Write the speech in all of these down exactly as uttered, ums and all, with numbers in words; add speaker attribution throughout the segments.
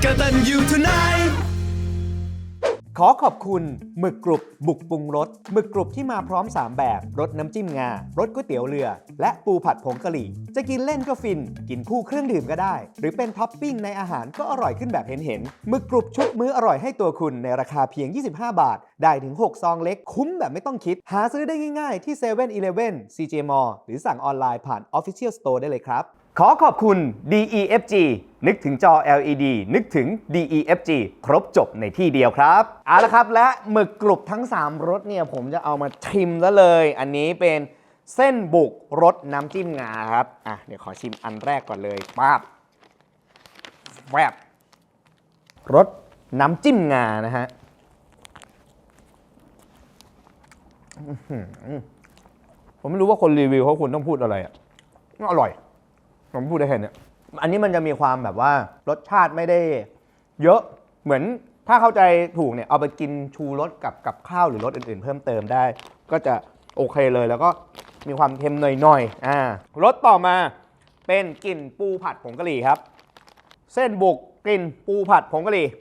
Speaker 1: กตัญญูทนาย
Speaker 2: ขอขอบคุณหมึกกรุบบุกปรุงรสหมึกกรุบที่มาพร้อมสามแบบรสน้ำจิ้มงารสก๋วยเตี๋ยวเรือและปูผัดผงกะหรี่จะกินเล่นก็ฟินกินคู่เครื่องดื่มก็ได้หรือเป็นท็อปปิ้งในอาหารก็อร่อยขึ้นแบบเห็นๆหมึกกรุบชุบมื้ออร่อยให้ตัวคุณในราคาเพียงยี่สิบห้าบาทได้ถึงหกซองเล็กคุ้มแบบไม่ต้องคิดหาซื้อได้ง่ายๆที่เซเว่นอีเลฟเว่น ซี เจ Mall หรือสั่งออนไลน์ผ่าน Official Store ได้เลยครับขอขอบคุณ ดี อี เอฟ จี นึกถึงจอ แอล อี ดี นึกถึง ดี อี เอฟ จี ครบจบในที่เดียวครับเอาละครับและหมึกกรุบทั้งสามรสเนี่ยผมจะเอามาชิมแล้วเลยอันนี้เป็นเส้นบุกรสน้ำจิ้มงาครับอ่ะเดี๋ยวขอชิมอันแรกก่อนเลยป๊าบแวบรสน้ำจิ้มงานะฮะผมไม่รู้ว่าคนรีวิวเขาควรต้องพูดอะไรอ่ะอร่อยผมพูดได้แค่นี้อันนี้มันจะมีความแบบว่ารสชาติไม่ได้เยอะเหมือนถ้าเข้าใจถูกเนี่ยเอาไปกินชูรสกับกับข้าวหรือรสอื่นๆเพิ่มเติมได้ก็จะโอเคเลยแล้วก็มีความเค็มหน่อยๆอ่ารสต่อมาเป็นกลิ่นปูผัดผงกะหรี่ครับเส้นบุกกลิ่นปูผัดผงกะหรี่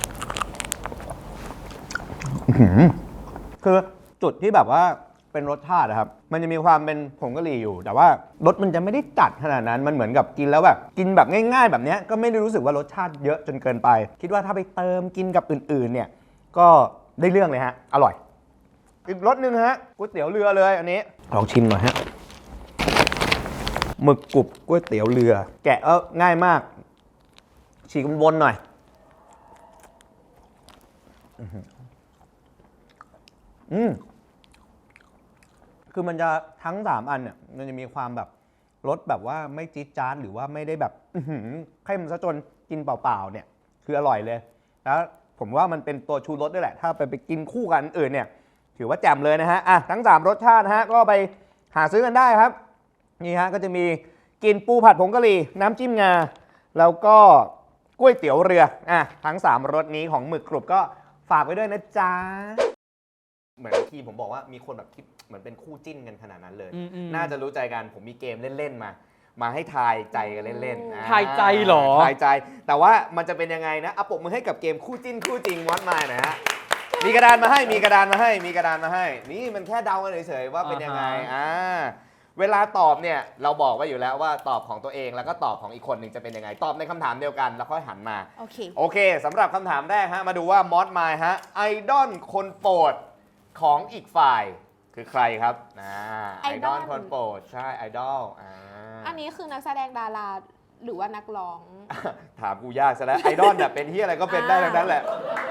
Speaker 2: คือจุดที่แบบว่าเป็นรสชาตินะครับมันจะมีความเป็นผงกะหรี่อยู่แต่ว่ารสมันจะไม่ได้จัดขนาดนั้นมันเหมือนกับกินแล้วแบบกินแบบง่ายๆแบบนี้ก็ไม่ได้รู้สึกว่ารสชาติเยอะจนเกินไปคิดว่าถ้าไปเติมกินกับอื่นๆเนี่ยก็ได้เรื่องเลยฮะอร่อยอีกรสหนึ่งฮะก๋วยเตี๋ยวเรือเลยอันนี้ลองชิมหน่อยฮะหมึกกรุบก๋วยเตี๋ยวเรือแกะเออง่ายมากฉีกบนๆหน่อยอืมคือมันจะทั้งสามอันเนี่ยมันจะมีความแบบรสแบบว่าไม่จี๊ดจ๊าดหรือว่าไม่ได้แบบเข้มซะจนกินเปล่าๆเนี่ยคืออร่อยเลยแล้วผมว่ามันเป็นตัวชูรสด้วยแหละถ้าไปไปกินคู่กันอื่นเนี่ยถือว่าแจ่มเลยนะฮะอ่ะทั้งสามรสชาติฮะก็ไปหาซื้อกันได้ครับนี่ฮะก็จะมีกินปูผัดผงกะหรี่น้ำจิ้มงาแล้วก็ก๋วยเตี๋ยวเรืออ่ะทั้งสามรสนี้ของหมึกกรุบก็ฝากไว้ด้วยนะจ๊ะเหมือนที่ผมบอกว่ามีคนแบบคิดเหมือนเป็นคู่จิ้นกันขนาดนั้นเลยน่าจะรู้ใจกันผมมีเกมเล่นๆมามาให้ทายใจกันเล่นๆ
Speaker 3: ทายใจเหรอ
Speaker 2: ทายใจแต่ว่ามันจะเป็นยังไงนะเอาปกมือให้กับเกมคู่จิ้นคู่จริงมอสมายหน่อยฮะมีกระดานมาให้มีกระดานมาให้มีกระดานมาให้นี่มันแค่เดากันเฉยๆว่าเป็นยังไงอ่าเวลาตอบเนี่ยเราบอกไว้อยู่แล้วว่าตอบของตัวเองแล้วก็ตอบของอีกคนหนึ่งจะเป็นยังไงตอบในคำถามเดียวกันแล้วค่อยหันมา
Speaker 4: โอเค
Speaker 2: โอเคสำหรับคำถามแรกฮะมาดูว่ามอสมายฮะไอดอลคนโปรดของอีกฝ่ายคือใครครับอ่าไอดอลคนโปรดใช่ไอดอลอ่า
Speaker 4: อันนี้คือนักแสดงดาราหรือว่านักร้อง
Speaker 2: ถามกูยากซะแล้วไอดอลเนี่ยเป็นที่อะไรก็เป็นได้ทั้งนั้นแหละ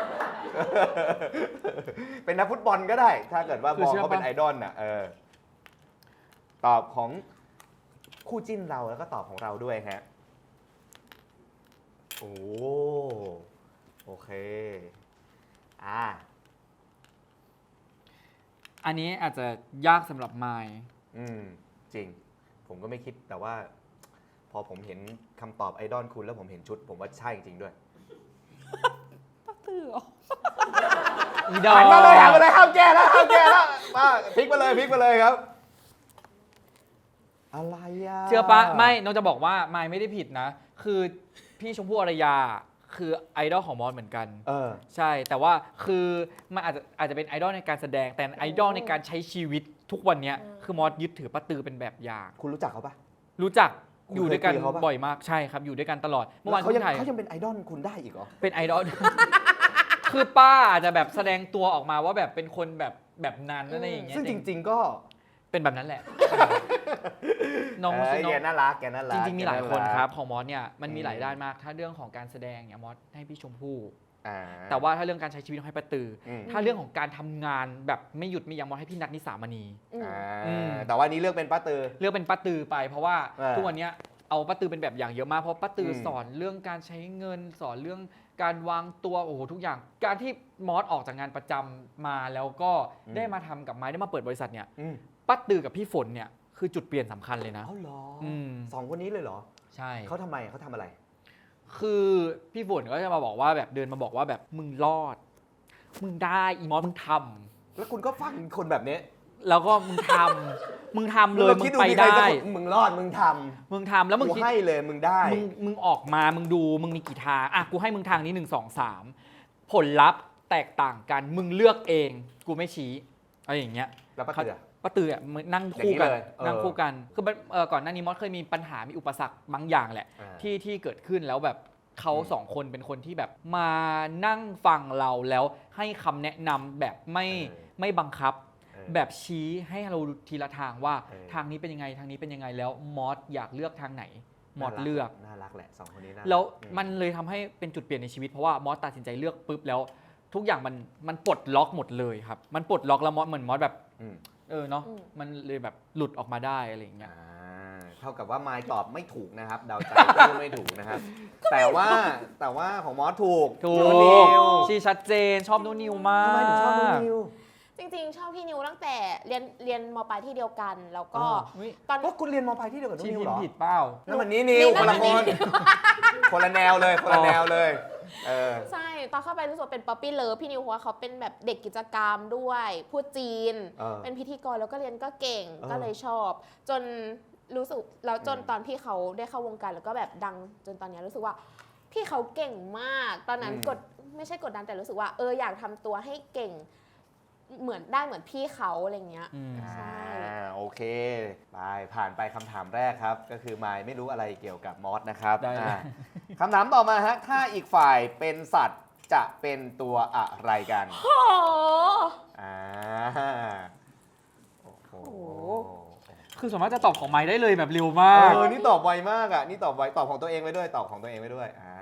Speaker 2: เป็นนักฟุตบอลก็ได้ถ้าเกิดว่ามองเขาเป็นไอดอลน่ะเออตอบของคู่จิ้นเราแล้วก็ตอบของเราด้วยฮะโอ้โอเคอ่า
Speaker 3: อันนี้อาจจะยากสำหรับไมค์
Speaker 2: อืมจริงผมก็ไม่คิดแต่ว่าพอผมเห็นคำตอบไอดอลคุณแล้วผมเห็นชุดผมว่าใช่จริงด้วย
Speaker 4: ปักตื่อ
Speaker 3: อีดอล
Speaker 2: หันมาเลยหันมาเลยห้ามแก้แล้วห้ามแก้แล้วมาพลิกมาเลยพลิกมาเลยครับอะไรอ่ะ
Speaker 3: เชื่อปะไม่น้องจะบอกว่าไมค์ไม่ได้ผิดนะคือพี่ชมพู่อารยาคือไอดอลของมอสเหมือนกัน
Speaker 2: เออ
Speaker 3: ใช่แต่ว่าคือมันอาจจะอาจจะเป็นไอดอลในการแสดงแต่ไอดอลในการใช้ชีวิตทุกวันนี้คือมอสยึดถือป้าตือเป็นแบบอย่าง
Speaker 2: คุณรู้จักเขาปะ
Speaker 3: รู้จักอยู่ด้วยกันบ่อยมากใช่ครับอยู่ด้วยกันตลอด
Speaker 2: เมื่อวานเขายังเขายังเป็นไอดอลคุณได้อีกเหรอ
Speaker 3: เป็นไอดอลคือป้าอาจจะแบบแสดงตัวออกมาว่าแบบเป็นคนแบบแบบนั้นอะไรอย่างเงี้ย
Speaker 2: ซึ่งจริงๆก็
Speaker 3: เป็นแบบนั้นแหละน้อง
Speaker 2: แกน่ารักแกน่ารัก
Speaker 3: จริงๆมีหลายคนครับของมอสเนี่ยมันมีหลายด้านมากถ้าเรื่องของการแสดงเนี่ยมอสให้พี่ชมพู่แต่ว่าถ้าเรื่องการใช้ชีวิตต้องให้ป้าตือถ้าเรื่องของการทำงานแบบไม่หยุดไม่ยั้งมอสให้พี่นัทนิสามณี
Speaker 2: แต่ว่านี้เลือกเป็นป้าตือ
Speaker 3: เลือกเป็นป้าตือไปเพราะว่าทุกวันนี้เอาป้าตือเป็นแบบอย่างเยอะมากเพราะป้าตือสอนเรื่องการใช้เงินสอนเรื่องการวางตัวโอ้โหทุกอย่างการที่มอสออกจากงานประจำมาแล้วก็ได้มาทำกับไม้ได้มาเปิดบริษัทเนี่ยป้าตือกับพี่ฝนเนี่ยคือจุดเปลี่ยนสำคัญเลยนะ
Speaker 2: อ๋อเหรอสองคนนี้เลยเหรอ
Speaker 3: ใช่
Speaker 2: เขาทำไมเขาทำอะไร
Speaker 3: คือพี่ฝนก็จะมาบอกว่าแบบเดินมาบอกว่าแบบมึงรอดมึงได้อีมอสมึงทำ
Speaker 2: แล้วคุณก็ฟังคนแบบนี้
Speaker 3: แล้วก็มึงทำมึงทำเลยมึ
Speaker 2: คิ
Speaker 3: ง
Speaker 2: ดู
Speaker 3: ไป
Speaker 2: มีใคร
Speaker 3: ได้
Speaker 2: สักคนมึงรอดมึงท
Speaker 3: มึงทำแล้ว
Speaker 2: ำ
Speaker 3: มึง
Speaker 2: กู
Speaker 3: คิด
Speaker 2: ให้เลยมึงได้
Speaker 3: มึงมึงออกมามึงดูมึงมีกี่ทางอ่ะกูให้มึงทางนี้หนึ่งสองสามผลลัพธ์แตกต่างกันมึงเลือกเองกูไม่ชี้อะไรอย่างเงี้ย
Speaker 2: แล้วป้าเตือ
Speaker 3: ป้าตืออ่ะมึงนั่งคู่กัน
Speaker 2: อย่างนี้เลยเออ
Speaker 3: นั่งคู่กันคือมันเอ่อก่อนหน้านี้มอสเคยมีปัญหามีอุปสรรคบางอย่างแหละ
Speaker 2: อ่า
Speaker 3: ที่ที่เกิดขึ้นแล้วแบบเขา
Speaker 2: อืม
Speaker 3: สองคนเป็นคนที่แบบมานั่งฟังเราแล้วให้คำแนะนำแบบไม่
Speaker 2: เออ
Speaker 3: ไม่บังคับ
Speaker 2: เออ
Speaker 3: แบบชี้ให้เราทีละทางว่า
Speaker 2: เออ
Speaker 3: ทางนี้เป็นยังไงทางนี้เป็นยังไงแล้วมอสอยากเลือกทางไหนมอสเลือก
Speaker 2: น่ารักแหละสองคนนี้น่ารัก
Speaker 3: แล้ว
Speaker 2: อื
Speaker 3: มันเลยทำให้เป็นจุดเปลี่ยนในชีวิตเพราะว่ามอสตัดสินใจเลือกปุ๊บแล้ว ทุกอย่างมันมันปลดล็อกหมดเลยครับมันปลดล็อกแล้วมอสเหมือนมอสแบบ
Speaker 2: อืม
Speaker 3: เออเนาะ
Speaker 4: อืม
Speaker 3: มันเลยแบบหลุดออกมาได้อะไรอย่างเงี้ย
Speaker 2: อ่าเท่ากับว่าไมค์ตอบไม่ถูกนะครับเดาใจก็ไม่ถูกนะครับ แต่ว่าแต่ว่าของมอสถูก
Speaker 3: ถู
Speaker 2: นู
Speaker 3: ก
Speaker 2: นิว
Speaker 3: ชีชัดเจนชอบนูนิวมาก
Speaker 2: ทำไมถึงชอบนูนิว
Speaker 4: จริงๆ ชอบพี่นิวตั้งแต่เรียนเรียนมปลายที่เดียวกัน แล้วก็
Speaker 2: อ๋อ
Speaker 3: อุ๊ย
Speaker 4: ตอน
Speaker 2: ว่าคุณเรียนมอปลายที่เดียวกับนู
Speaker 3: ชี
Speaker 2: นิว
Speaker 3: พิ
Speaker 2: เหร
Speaker 3: ม
Speaker 2: อ
Speaker 3: พ์ผิดเปล่า
Speaker 2: นั่นมันนี้นิวคนละคน คนละแนวเลยคนละแนวเลยเออ
Speaker 4: ใช่ ตอนเข้าไปรู้สึกว่าเป็นป๊อปปี้เลิฟพี่นิวเพราะว่าเขาเป็นแบบเด็กกิจกรรมด้วย พูดจีน
Speaker 2: เออ
Speaker 4: เป็นพิธีกรแล้วก็เรียนก็เก่ง
Speaker 2: เออ
Speaker 4: ก็เลยชอบ จนรู้สึกแล้วจน
Speaker 2: อืม
Speaker 4: ตอนพี่เขาได้เข้าวงการแล้วก็แบบดังจนตอนเนี้ยรู้สึกว่า พี่เขาเก่งมาก ตอนนั้น
Speaker 2: อืม
Speaker 4: กดไม่ใช่กดดันแต่รู้สึกว่าเอออยากทำตัวให้เก่ง เหมือนได้เหมือนพี่เขาอะไรเงี้ย
Speaker 3: อืม
Speaker 4: ใช่
Speaker 2: อ่าโอเคไปผ่านไปคำถามแรกครับ ก็คือไมค์ไม่รู้อะไรเกี่ยวกับมอสนะครับ
Speaker 3: ได้เลย
Speaker 2: อ่าคำถามต่อมาฮะถ้าอีกฝ่ายเป็นสัตว์จะเป็นตัวอะไรกัน
Speaker 4: โอ้
Speaker 2: อ่าโอ้โห
Speaker 3: คือส่วนมากจะตอบของไม้ได้เลยแบบเร็ว
Speaker 2: เอ
Speaker 3: มาก
Speaker 2: อนี่ตอบไวมากอ่ะนี่ตอบไวตอบของตัวเองไว้ด้วยตอบของตัวเองไว้ด้วยอ่า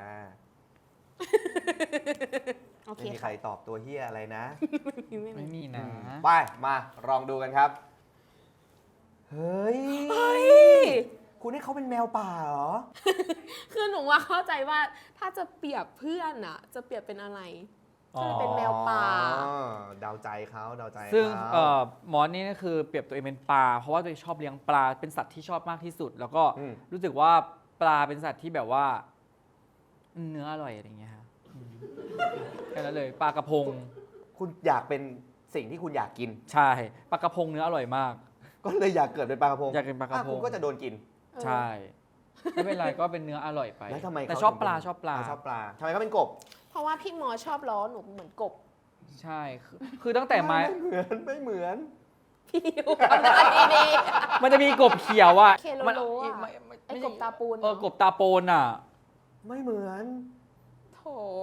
Speaker 4: โอเค
Speaker 2: ไม่มีใคร
Speaker 4: ค่ะ
Speaker 2: ตอบตัวเฮียอะไรนะ
Speaker 3: ไม่มีนะ
Speaker 2: ไปมาลองดูกันครับ เฮ้ย
Speaker 4: เฮ้ย
Speaker 2: คุณให้เขาเป็นแมวป่าเหรอ
Speaker 4: คือหนูว่าเข้าใจว่าถ้าจะเปรียบเพื่อนอะจะเปรียบเป็นอะไร ก็เลยเป็นแมวป่า
Speaker 2: อ๋อเดาใจเขาเดาใจ
Speaker 3: ซึ่ง
Speaker 2: เขา
Speaker 3: เอ่อมอสนี่ก็คือเปรียบตัวเองเป็นปลาเพราะว่าตัวเองชอบเลี้ยงปลาเป็นสัตว์ที่ชอบมากที่สุด แล้วก็
Speaker 2: อืม
Speaker 3: รู้สึกว่าปลาเป็นสัตว์ที่แบบว่า เนื้ออร่อยอะไรอย่างเงี้ยฮะอืมแค่นั้นเลยปลากระพง
Speaker 2: คุณอยากเป็นสิ่งที่คุณอยากกิน
Speaker 3: ใช่ปลากระพงเนื้ออร่อยมาก
Speaker 2: ก็เลยอยากเกิดเป็นปลากระพง
Speaker 3: อยากเป็นปลากระพง
Speaker 2: อ่คุณก็จะโดนกิน
Speaker 3: ใช่ไม่เป็นไรก็เป็นเนื้ออร่อยไป
Speaker 2: แล้วทำไม
Speaker 3: แต่
Speaker 2: เข
Speaker 3: ชอบ
Speaker 2: ถึง
Speaker 3: ปลา
Speaker 2: เป็น
Speaker 3: ชอบปลา
Speaker 2: ชอบปลาทำไมเขาเป็นกบ
Speaker 4: เพราะว่าพี่หมอชอบล้อหนูเหมือนกบ
Speaker 3: ใช่คือคือตั้งแต่ไม้
Speaker 2: ไม่เหมือนไม่เหมือน
Speaker 4: พี่นิวทำได้ดี
Speaker 3: มันจะมีกบเขียวอ่ะ
Speaker 4: เคโล
Speaker 3: มัน
Speaker 4: โลอะ
Speaker 3: ไม่ไม่
Speaker 4: ไอ้
Speaker 3: ไม่
Speaker 4: ก
Speaker 3: ใช่
Speaker 4: บตาปูน
Speaker 3: เออกบตาโปนอ่ะ
Speaker 2: ไม่เหมือน
Speaker 4: โถ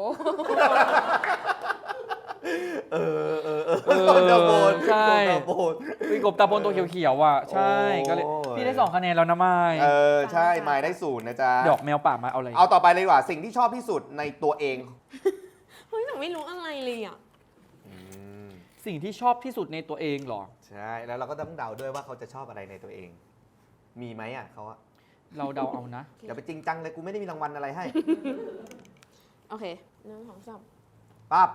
Speaker 2: เออเออเออ
Speaker 3: เออ
Speaker 2: กบตาโบน
Speaker 3: ใช่
Speaker 2: กบตาโบน
Speaker 3: มีกบตาโปนตัวเขียวๆอ่ะใช่
Speaker 2: โอ้ย
Speaker 3: ก็เลยพี่ได้สองคะแนนแล้วนะไม้
Speaker 2: เออใช่ไม้ได้ศูนย์นะจ๊ะ
Speaker 3: ดอกแมวป่ามาเอาอะไร
Speaker 2: เอาต่อไปเลยดีกว่าสิ่งที่ชอบที่สุดในตัวเอง
Speaker 4: เฮ้ยหนูไม่รู้อะไรเลยอ่ะ
Speaker 2: อืม
Speaker 3: สิ่งที่ชอบที่สุดในตัวเองเหรอ
Speaker 2: ใช่แล้วเราก็ต้องเดาด้วยว่าเขาจะชอบอะไรในตัวเอง มีไหมอ่ะเขาอะ
Speaker 3: เราเดาเอานะ
Speaker 2: อย่าไปจริงจังเลยกูไม่ได้มีรางวัลอะไรให้
Speaker 4: โอเคหนึ่งสองสาม
Speaker 2: ปั๊บ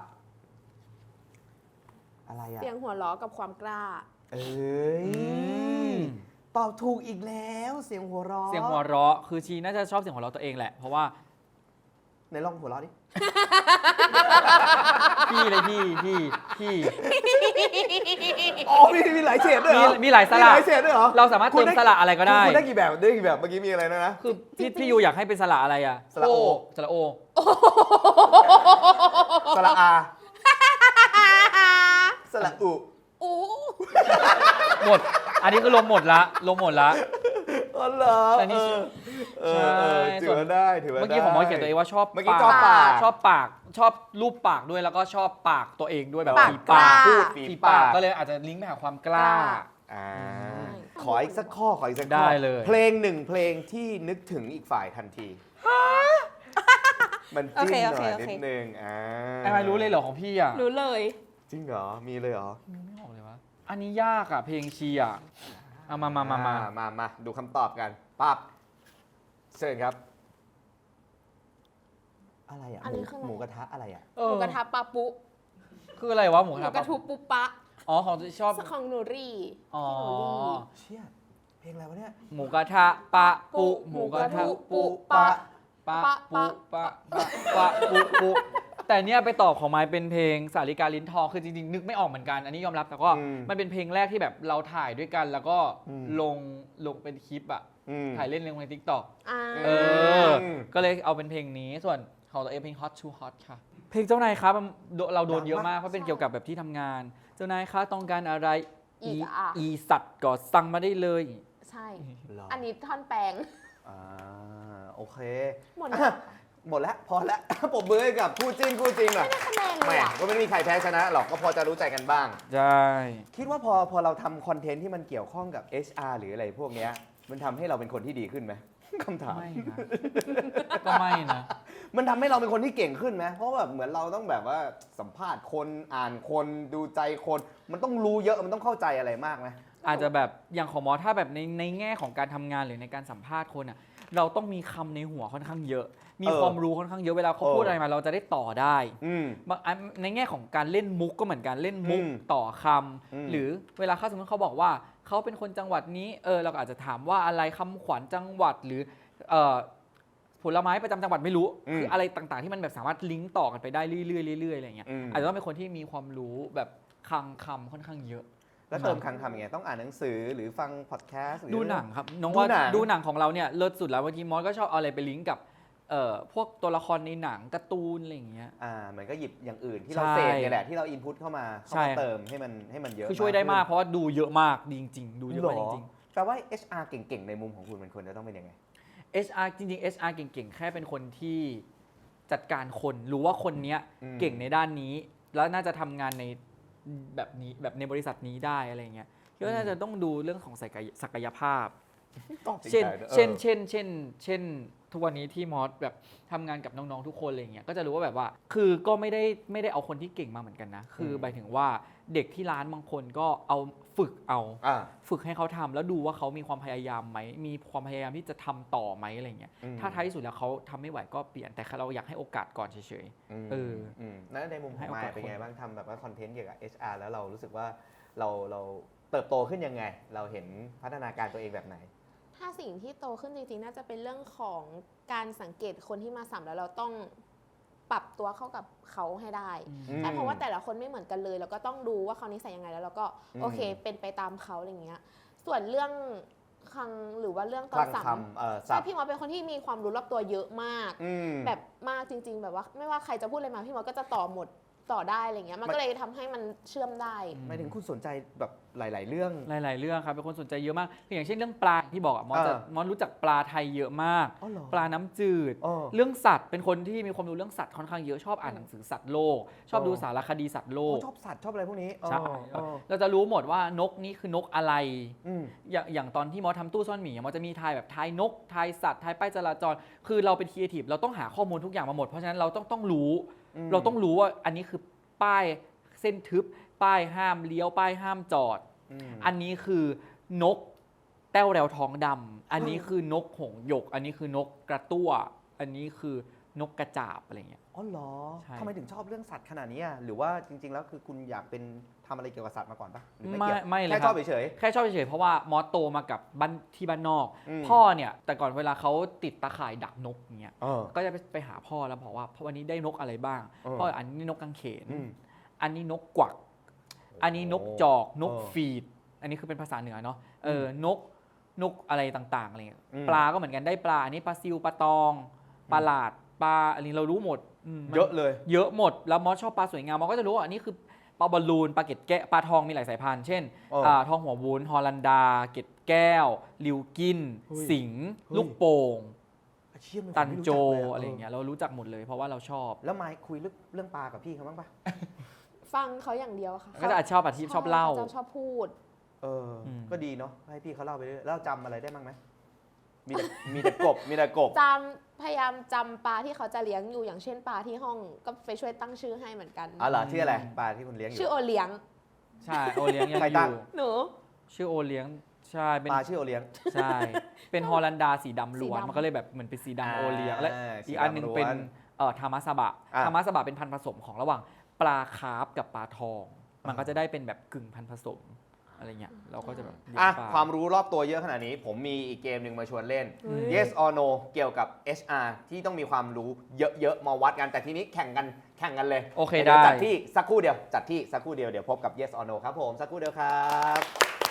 Speaker 2: อะไรอ่ะ
Speaker 4: เสียงหัวล้อกับความกล้า
Speaker 2: เอ้ย
Speaker 3: ม
Speaker 2: ตอบถูกอีกแล้วเสียงหัวเราะ
Speaker 3: เสียงหัวเราะคือชีน่าจะชอบเสียงหัวเราะตัวเองแหละ เพราะว่า
Speaker 2: ไหนลองหัวเราะดิ
Speaker 3: พี่เลยพี่พี่พี่
Speaker 2: อ๋อมีมีหลายเฉดด้วยเหร
Speaker 3: มี
Speaker 2: อ
Speaker 3: มีหลายสระ
Speaker 2: มีหลายเฉดด้วยเหรอ
Speaker 3: เราสามารถเติมสระอะไรก็ได้
Speaker 2: คุณได้กี่แบบได้กี่แบบเมื่อกี้มีอะไรนะนะ
Speaker 3: คือพี่พี่ยูอยากให้เป็นสระอะไรอ่ะ
Speaker 2: สระโอ
Speaker 3: สระโอ
Speaker 2: สระอาสระอุ
Speaker 4: โอ้
Speaker 3: หมด อันนี้คือลมหมดละลมหมดละ
Speaker 2: อ๋อเหรอ
Speaker 3: แต่นี่
Speaker 2: เออเออเออ
Speaker 3: ใช่
Speaker 2: ถือว่าได้ถือว่าได้
Speaker 3: เมื่อกี้ผมมอสเขียนตัวเองว่าชอบ
Speaker 2: เมื่อกี้ชอบปาก
Speaker 3: ชอบปากชอบรูปปากด้วยแล้วก็ชอบปากตัวเองด้วยแบบ
Speaker 4: ปาก
Speaker 3: ฝี
Speaker 4: กล้า
Speaker 3: ปาก
Speaker 2: พูดฝี
Speaker 3: ฝี
Speaker 2: ปา
Speaker 3: ปาก กก็เลยอาจจะลิงก์ไปหาความกล้า
Speaker 2: อ่า
Speaker 4: ใช่
Speaker 2: ขออีกสักข้อขออีกสักข้อ
Speaker 3: ได้เลย
Speaker 2: เพลงหนึ่งเพลงที่นึกถึงอีกฝ่ายทันทีมันจิ้มหน่อยนิดนึงอ่า
Speaker 3: ไอ้ไม่รู้เลยเหรอของพี่อ่ะ
Speaker 4: รู้เลย
Speaker 2: จริงเหรอมีเลยเหรอ
Speaker 3: นึกไม่ออกเลยวะอันนี้ยากอ่ะเพลงชีอ่ะเอามามามามา
Speaker 2: อ่มามาดูคำตอบกันปั๊บเชิญครับ อะไรอ่ะ
Speaker 4: อันนี้คืออะไร
Speaker 2: หมูกระทะอะไรอ่ะ
Speaker 3: เอ
Speaker 4: ห
Speaker 3: อ
Speaker 4: มูกระทะปลาปุ
Speaker 3: คืออะไรวะหมู
Speaker 4: ห
Speaker 3: ก
Speaker 4: มู
Speaker 3: ระ
Speaker 4: กระ
Speaker 3: ทะ
Speaker 4: ทุปุปะ
Speaker 3: อ๋อของที่ชอบ
Speaker 4: ของหนูรี่
Speaker 3: อ๋อ
Speaker 2: เชี่ยเพลงอะไรวะเนี่ย
Speaker 3: หมูกระทะปะปุหมูกระทะปุปะปะปุปะปะปะปุปุแต่เนี้ยไปตอบของไม้เป็นเพลงสาริกาลิ้นทองคือจริงๆนึกไม่ออกเหมือนกันอันนี้ยอมรับแต่ก็
Speaker 2: อืม
Speaker 3: มันเป็นเพลงแรกที่แบบเราถ่ายด้วยกัน แล้วก็
Speaker 2: อืม
Speaker 3: ลงลงเป็นคลิปอะ
Speaker 2: อืม
Speaker 3: ถ่ายเล่นลงใน TikTok
Speaker 4: อ่า
Speaker 3: เออ ก็เลยเอาเป็นเพลงนี้ส่วนของตัวเองเพลง Hot to Hot ค่ะ เพลงเจ้านายครับมันเราโดนเยอะมากเพราะเป็นเกี่ยวกับแบบที่ทำงาน เจ้านายคะต้องการอะไร
Speaker 4: อีกอ่ะ
Speaker 3: อีสัตว์ก็สั่งมาได้เลย
Speaker 4: ใช่
Speaker 2: หรอ
Speaker 4: อันนี้ท่อนแปลง
Speaker 2: อ่าโอเค
Speaker 4: หมดแล้ว
Speaker 2: อ่ะหมดแล้วพอแล้ว ปรบมือให้กับคู่จิ้นคู่จริงหน่อย
Speaker 4: คะแนนเล
Speaker 2: แหม
Speaker 4: ยอ่ะ
Speaker 2: ก็ไม่มีใครแพ้ชนะหรอกก็พอจะรู้ใจกันบ้าง
Speaker 3: ใช่
Speaker 2: คิดว่าพอพอเราทำคอนเทนต์ที่มันเกี่ยวข้องกับ เอช อาร์ หรืออะไรพวกเนี้ยมันทำให้เราเป็นคนที่ดีขึ้นไหม คำถาม
Speaker 3: ไม่นะ ก็ไม่นะ
Speaker 2: มันทำให้เราเป็นคนที่เก่งขึ้นไหมเพราะแบบเหมือนเราต้องแบบว่าสัมภาษณ์คนอ่านคนดูใจคน มันต้องรู้เยอะมันต้องเข้าใจอะไรมากไหม
Speaker 3: อาจจะแบบอย่างของหมอถ้าแบบในในแง่ของการทำงานหรือในการสัมภาษณ์คนอ่ะเราต้องมีคำในหัวค่อนข้างเยอะ มี
Speaker 2: เออ
Speaker 3: ความรู้ค่อนข้างเยอะเวลาเขา
Speaker 2: เออ
Speaker 3: พูดอะไรมาเราจะได้ต่อได้
Speaker 2: อืม
Speaker 3: บางอันในแง่ของการเล่นมุกก็เหมือนกันเล่นมุก
Speaker 2: อืม
Speaker 3: ต่อคำ
Speaker 2: อืม
Speaker 3: หรือเวลาเขาสมมติเขาบอกว่าเขาเป็นคนจังหวัดนี้เออเราก็อาจจะถามว่าอะไรคำขวัญจังหวัดหรือเอ่อผลไม้ประจำจังหวัดไม่รู้
Speaker 2: อืม
Speaker 3: คืออะไรต่างๆที่มันแบบสามารถลิงก์ต่อกันไปได้เรื่อยๆเรื่อยๆอะไรอย่างเงี้ย
Speaker 2: อืม
Speaker 3: อาจจะต้องเป็นคนที่มีความรู้แบบคลังคำค่อนข้างเยอะ
Speaker 2: แล้วเติมคำคำยังไงต้องอ่านหนังสือหรือฟังพอดแคสต์
Speaker 3: ดูหนังครับน้อง
Speaker 2: ดู
Speaker 3: ว่า
Speaker 2: หนัง
Speaker 3: ดูหนังของเราเนี่ยเลิศสุดแล้วบางทีมอสก็ชอบเอาอะไรไปลิงก์กับเอ่อพวกตัวละครในหนังการ์ตูนอะไรอย่างเงี้ย
Speaker 2: อ่าเหมือนก็หยิบอย่างอื่นที่เรา
Speaker 3: ใช่
Speaker 2: เสพเนี่ยแหละที่เราอินพุตเข้ามาเข้า
Speaker 3: ใช่
Speaker 2: มาเติมให้มันให้มันเยอะ
Speaker 3: คือช่วยได้มาก
Speaker 2: ขึ้น
Speaker 3: เพราะว่าดูเยอะมากดีจริงๆดูเยอะมากจริง
Speaker 2: แปลว่า เอช อาร์ เก่งๆ ในมุมของคุณมันควรจะต้องเป็นยังไง
Speaker 3: ๆ เอช อาร์ จริงๆ เอช อาร์ เก่งๆ แค่เป็นคนที่จัดการคนรู้ว่าคนเนี้ย
Speaker 2: อืม
Speaker 3: เก่งในด้านนี้ แล้วน่าจะทำงานในแบบนี้แบบในบริษัทนี้ได้อะไรเงี้ยก็น่าจะต้องดูเรื่องของศักยศักยภาพ เช่น เช่น เช่น เช่น เช่น ทุกวันนี้ที่มอสแบบทำงานกับน้องๆทุกคนอะไรเงี้ย ก็จะรู้ว่าแบบว่า คือก็ไม่ได้ไม่ได้เอาคนที่เก่งมาเหมือนกันนะ คือหมายถึงว่าเด็กที่ร้านบางคนก็เอาฝึกเอา
Speaker 2: อ่า
Speaker 3: ฝึกให้เขาทำแล้วดูว่าเขามีความพยายามไหม มีความพยายามที่จะทำต่อไหมอะไรเงี้ย
Speaker 2: อืม
Speaker 3: ถ้าท้ายที่สุดแล้วเขาทำไม่ไหวก็เปลี่ยน แต่เราอยากให้โอกาสก่อนเฉย
Speaker 2: ม
Speaker 3: เออ
Speaker 2: มแล้วในมุมข
Speaker 3: ให้
Speaker 2: อง
Speaker 3: โอกาส
Speaker 2: มายเป็น
Speaker 3: คน
Speaker 2: ไงบ้างทำแบบว่าคอนเทนต์เกี่ยวกับ เอช อาร์ แล้วเรารู้สึกว่าเราเราเติบโตขึ้นยังไง เราเห็นพัฒนาการตัวเองแบบไหน
Speaker 4: ถ้าสิ่งที่โตขึ้นจริงๆ น่าจะเป็นเรื่องของการสังเกตคนที่มาสัมแล้วเราต้องปรับตัวเข้ากับเขาให้ได้
Speaker 3: อืม
Speaker 2: อืม
Speaker 4: ใช่เพราะว่าแต่ละคนไม่เหมือนกันเลย แล้วก็ต้องดูว่าเขานิสัยยังไงแล้วเราก็
Speaker 2: อืม
Speaker 4: โอเคเป็นไปตามเขาอะไรอย่างเงี้ย ส่วนเรื่องคลังหรือว่าเรื่องต
Speaker 2: ค
Speaker 4: อน
Speaker 2: ลัง
Speaker 4: สัม
Speaker 2: คำเอ่อศั
Speaker 4: ใช่
Speaker 2: พท์
Speaker 4: พี่มอสเป็นคนที่มีความรู้รอบตัวเยอะมาก
Speaker 2: อืม
Speaker 4: แบบมากจริง ๆ แบบว่าไม่ว่าใครจะพูดอะไรมาพี่มอสก็จะต่อหมดต่อได้อะไรเงี้ยมัน
Speaker 2: มัน
Speaker 4: ก็เลยทำให้มันเชื่อมได้
Speaker 2: หมายถึงคุณสนใจแบบหลาย ๆ เรื่อง
Speaker 3: หลาย ๆ เรื่องครับเป็นคนสนใจเยอะมากคืออย่างเช่นเรื่องปลาที่บอกอะมอสจะ
Speaker 2: เออ
Speaker 3: มอสรู้จักปลาไทยเยอะมาก
Speaker 2: อ๋อเหรอ
Speaker 3: ปลาน้ำจืด
Speaker 2: เออ
Speaker 3: เรื่องสัตว์เป็นคนที่มีความรู้เรื่องสัตว์ค่อนข้างเยอะชอบอ่านหนังสือสัตว์โลก ชอบดูสารคดีสัตว์โลก
Speaker 2: ชอบสัตว์ชอบอะไรพวกนี้
Speaker 3: ใช่
Speaker 2: อ๋ออ๋อ
Speaker 3: เราจะรู้หมดว่านกนี่คือนกอะไร
Speaker 2: อืม
Speaker 3: อย่างอย่างตอนที่มอสทำตู้ซ่อนหมีมอสจะมีทายแบบทายนกทายสัตว์ทายป้ายจราจร คือเราเป็นครีเอทีฟเราต้องหาข้อมูลทุกอย่างมาหมดเพราะฉะนั้นเราต้องต้องรู้
Speaker 2: อืม
Speaker 3: เราต้องรู้ว่าอันนี้คือป้ายเส้นทึบ ป้ายห้ามเลี้ยวป้ายห้ามจอด
Speaker 2: อืม
Speaker 3: อันนี้คือนกแต้วแรวท้องดำอันนี้คือนกหงส์หยก อันนี้คือนกกระตั้ว อันนี้คือนกกระจาบอะไรเงี้ย
Speaker 2: อ๋อเหรอ
Speaker 3: ใช่
Speaker 2: ทำไมถึงชอบเรื่องสัตว์ขนาดนี้อ่ะหรือว่าจริง ๆ แล้วคือคุณอยากเป็นทำอะไรเกี่ยวกับสัตว์มาก่อนปะหรือไม่
Speaker 3: ไม่
Speaker 2: เกี่ยว
Speaker 3: ไม่เลย
Speaker 2: แค่
Speaker 3: ค
Speaker 2: ช
Speaker 3: รั
Speaker 2: อบบ เฉย
Speaker 3: แค่ชอบเฉยๆเพราะว่ามอสโตมากับบ้านที่บ้านนอก
Speaker 2: อืม
Speaker 3: พ่อเนี่ยแต่ก่อนเวลาเขาติดตาข่ายดักนกเงี้ย
Speaker 2: ๆเออ
Speaker 3: ก็จะไปไปหาพ่อแล้วบอกว่าพ่อวันนี้ได้นกอะไรบ้าง
Speaker 2: เออ
Speaker 3: พ่ออันนี้นกกังเขน
Speaker 2: อืม
Speaker 3: อันนี้นกกวัก อันนี้นกจอก นก
Speaker 2: เออ
Speaker 3: ฟีด อันนี้คือเป็นภาษาเหนือเนาะ เออ นก นกอะไรต่างๆอะไรเงี้ย
Speaker 2: อืม
Speaker 3: ปลาก็เหมือนกันได้ปลา อันนี้ปลาซิว ปลาตอง ปลาหลาด ปลา อันนี้เรารู้หมดมมัน
Speaker 2: เยอะเลย
Speaker 3: เยอะหมด แล้วมอสชอบปลาสวยงามมอสก็จะรู้ว่าอันนี้คือปลาบอลลูน ปลาเกล็ดแก้วปลาทองมีหลายสายพันธุ์ เช่น
Speaker 2: เอออ่
Speaker 3: าทองหัววุ้น ฮอลันดา เกล็ดแก้ว ลิวกิน
Speaker 2: เฮ้ย
Speaker 3: สิงห์
Speaker 2: เฮ้ย
Speaker 3: ลูกโป่ง
Speaker 2: อาชีพมัน
Speaker 3: ตันโจ
Speaker 2: ผมม่รู้จักล
Speaker 3: อะไรอย่างเงี้ย เรารู้จักหมดเลยเพราะว่าเราชอบ
Speaker 2: แล้วไมค์คุยเรื่องเรื่องปลากับพี่เขาบ้างปะ
Speaker 4: ฟังเขาอย่างเดียวค่ะ
Speaker 3: ก็จะอาจชอบอาชีพชอบเล่า
Speaker 4: ขจะชอบพูด
Speaker 2: เอออ
Speaker 3: ม
Speaker 2: ก็ดีเนาะให้พี่เขาเล่าไปเรื่อยแล้วเราจำอะไรได้บ้างไหมมีแต่มีแต่กบมีแต่กบ
Speaker 4: จำพยายามจำปลาที่เขาจะเลี้ยงอยู่อย่างเช่นปลาที่ห้องก็ไปช่วยตั้งชื่อให้เหมือนกัน
Speaker 2: อ๋อเหรอชื่ออะไรปลาที่คุณเลี้ยงอยู่
Speaker 4: ชื่อโอเลี้ยง
Speaker 3: ใช่โอเลี้ยงยัง
Speaker 2: ใคร
Speaker 3: อ
Speaker 2: ตั้ง
Speaker 3: ยู่
Speaker 4: หนู
Speaker 3: ชื่อโอเลี้ยงใช่เป็น
Speaker 2: ปลาชื่อโอเลี้ยง
Speaker 3: ใช่ เป็นฮอลันดาสีดำล้วน
Speaker 4: สีดำ
Speaker 3: มันก็เลยแบบเหมือนเป็นสีดำโอเลี้ยง
Speaker 2: อ่า
Speaker 3: และ
Speaker 2: สี
Speaker 3: อีก
Speaker 2: ดำ
Speaker 3: อันหนึงเป็น
Speaker 2: ล้วน
Speaker 3: เอ่อทามาสบะ
Speaker 2: อ่ะ
Speaker 3: ทามาสบะเป็นพันธุ์ผสมของระหว่างปลาคาร์ฟกับปลาทอง มันก็จะได้เป็นแบบกึ่งพันธุ์ผสมอะไรเงี้ยเราก็จะแบบเลี้ย
Speaker 2: อ่ะ
Speaker 3: งปล
Speaker 2: ความรู้รอบตัวเยอะขนาดนี้ ผมมีอีกเกมหนึ่งมาชวนเล่น
Speaker 4: เฮ้ย
Speaker 2: yes or no เกี่ยวกับ เอช อาร์ ที่ต้องมีความรู้เยอะๆมาวัดกันแต่ทีนี้แข่งกันแข่งกันเลย
Speaker 3: โอเค
Speaker 2: ดี๋ยว
Speaker 3: ได้
Speaker 2: จัดที่สักครู่เดียวจัดที่สักครู่เดียวเดี๋ยวพบกับ yes or no ครับผมสักครู่เดียวครับ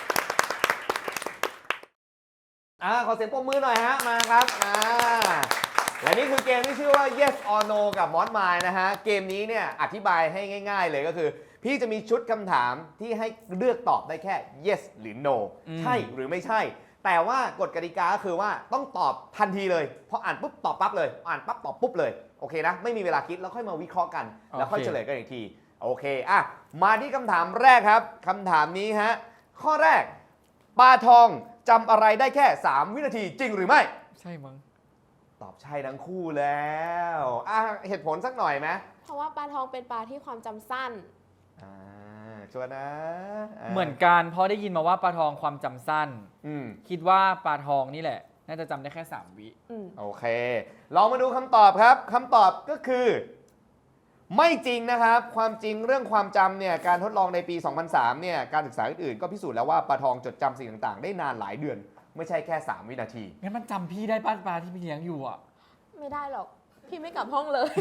Speaker 2: อ่าขอเสียงปรบมือหน่อยฮะมาครับอ่าและนี่คือเกมที่ชื่อว่า yes or no กับ Mod Mine นะฮะเกมนี้เนี่ยอธิบายให้ง่าย ๆ เลยก็คือ พี่จะมีชุดคำถามที่ให้เลือกตอบได้แค่ yes หรือ no
Speaker 3: อืม
Speaker 2: ใช่หรือไม่ใช่ แต่ว่ากฎกติกาก็คือว่าต้องตอบทันทีเลยพออ่านปุ๊บตอบปั๊บเลยอ่านปั๊บตอบปุ๊บเลยโอเคนะไม่มีเวลาคิดแล้วค่อยมาวิเคราะห์กัน แล้วค่อยเฉลยกันอีกทีโอเคอ่ะมาที่คำถามแรกครับคำถามนี้ฮะข้อแรกปลาทองจำอะไรได้แค่ สาม วินาทีจริงหรือไม่
Speaker 3: ใช่มั้ง
Speaker 2: ตอบใช่ทั้งคู่แล้วอ่ะเหตุผลสักหน่อยไหม
Speaker 4: เพราะว่าปลาทองเป็นปลาที่ความจำสั้น
Speaker 2: อ่าชัวร์นะา
Speaker 3: เหมือนกันเพราะได้ยินมาว่าปลาทองความจำสั้น
Speaker 2: อืม
Speaker 3: คิดว่าปลาทองนี่แหละ น่าจะจำได้แค่สามวิ
Speaker 4: อืม
Speaker 2: โอเค ลองมาดูคำตอบครับคำตอบก็คือ ไม่จริงนะครับ ความจริงเรื่องความจำเนี่ยการทดลองในปี สองพันสาม เนี่ยการศึกษาอื่นๆก็พิสูจน์แล้วว่าปลาทองจดจำสิ่งต่างๆ ได้นานหลายเดือน ไม่ใช่แค่ สาม วินาที
Speaker 3: งั้นมันจำพี่ได้ป้าปลาที่พี่เลี้ยงอยู่อ่ะ
Speaker 4: ไม่ได้หรอก พี่ไม่กลับห้องเลย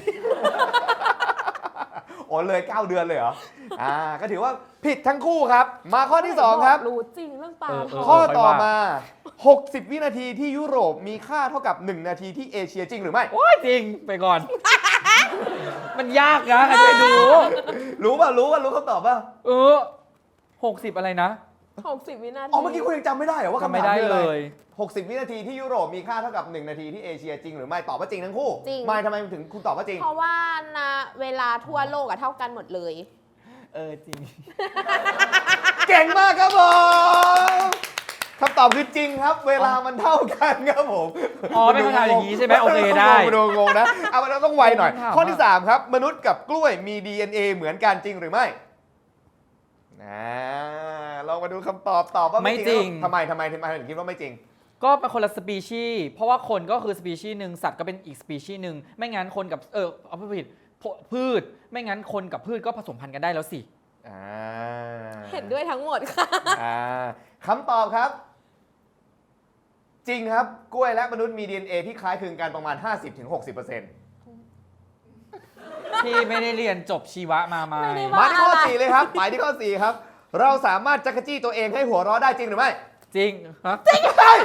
Speaker 2: โอ้เลย เก้า เดือนเลยเหรอ อ่า ก็ถือว่าผิดทั้งคู่ครับ มาข้อที่ สอง ครับ
Speaker 4: รู้จริงเรื่องปลา
Speaker 3: เออ
Speaker 4: ท
Speaker 3: เอ
Speaker 4: อง
Speaker 2: ข้อ
Speaker 3: ค่อย
Speaker 2: ต่อ
Speaker 3: ว่า
Speaker 2: มา หกสิบ วินาทีที่ยุโรปมีค่าเท่ากับ หนึ่ง นาทีที่เอเชียจริงหรือไม่
Speaker 3: โอ้ยจริงไปก่อน มันยากนะใครจะไปรู้
Speaker 2: รู้ป่ะ รู้ป่ะ รู้คำตอบป่ะ
Speaker 3: เออหกสิบอะไรนะ
Speaker 4: หกสิบวินาที
Speaker 2: อ๋อ เมื่อกี้คุณยังจำไม่ได้เหรอว่า
Speaker 3: จำ
Speaker 2: คำ
Speaker 3: ไม่
Speaker 2: ถาม
Speaker 3: ได้
Speaker 2: คืออะ
Speaker 3: เล
Speaker 2: ไร
Speaker 3: ย
Speaker 2: หกสิบ วินาทีที่ยุโรปมีค่าเท่ากับ หนึ่ง นาทีที่เอเชียจริงหรือไม่ ตอบว่าจริงทั้งคู่
Speaker 4: จริง
Speaker 2: ไม่ทำไมถึงคุณตอบว่าจริง
Speaker 4: เพราะว่านะเวลาทั่วโลกอะเท่ากันหมดเลย
Speaker 3: เออจริง
Speaker 2: เก่งมากครับผมคำตอบคือจริงครับ เวลามันเท่ากันครับผม
Speaker 3: อ๋อเป็นคำถามอย่างนี้ใช่ไหมโอเคได้
Speaker 2: ดูงงนะเอามันต้องไวหน่อย
Speaker 3: คำถาม
Speaker 2: ข้อที่ สาม ครับ มนุษย์กับกล้วยมี ดี เอ็น เอ เหมือนกันจริงหรือไม่นะลองมาดูคำตอบตอบว่าไม่
Speaker 3: ไม่
Speaker 2: จ
Speaker 3: จริ
Speaker 2: ริ
Speaker 3: ง
Speaker 2: งทำไมทำไมทำไมถึงคิดว่าไม่จริง
Speaker 3: ก็เป็นคนละสปีชีส์เพราะว่าคนก็คือสปีชีส์หนึ่งสัตว์ก็เป็นอีกสปีชีส์หนึ่งไม่งั้นคนกับเออเอาพูดผิดพืช ไม่งั้นคนกับพืชก็ผสมพันธุ์กันได้แล้วสิ
Speaker 2: อ่า
Speaker 4: เห็นด้วยทั้งหมดค่ะ
Speaker 2: อ่าคำตอบครับ จริงครับ กล้วยและมนุษย์มี ดี เอ็น เอ ที่คล้ายคลึงกันประมาณ ห้าสิบถึงหกสิบเปอร์เซ็นต์
Speaker 3: ที่ไม่ได้เรียนจบชีวะมาไหม
Speaker 4: ไม่ได้
Speaker 2: มาที่ข้อ
Speaker 4: อะไร
Speaker 2: สี่เลยครับหมายที่ข้อสี่ครับ เราสามารถจักรจี้ตัวเองให้หัวเราะได้จริงหรือไม่
Speaker 3: จริงฮะ
Speaker 2: ใช่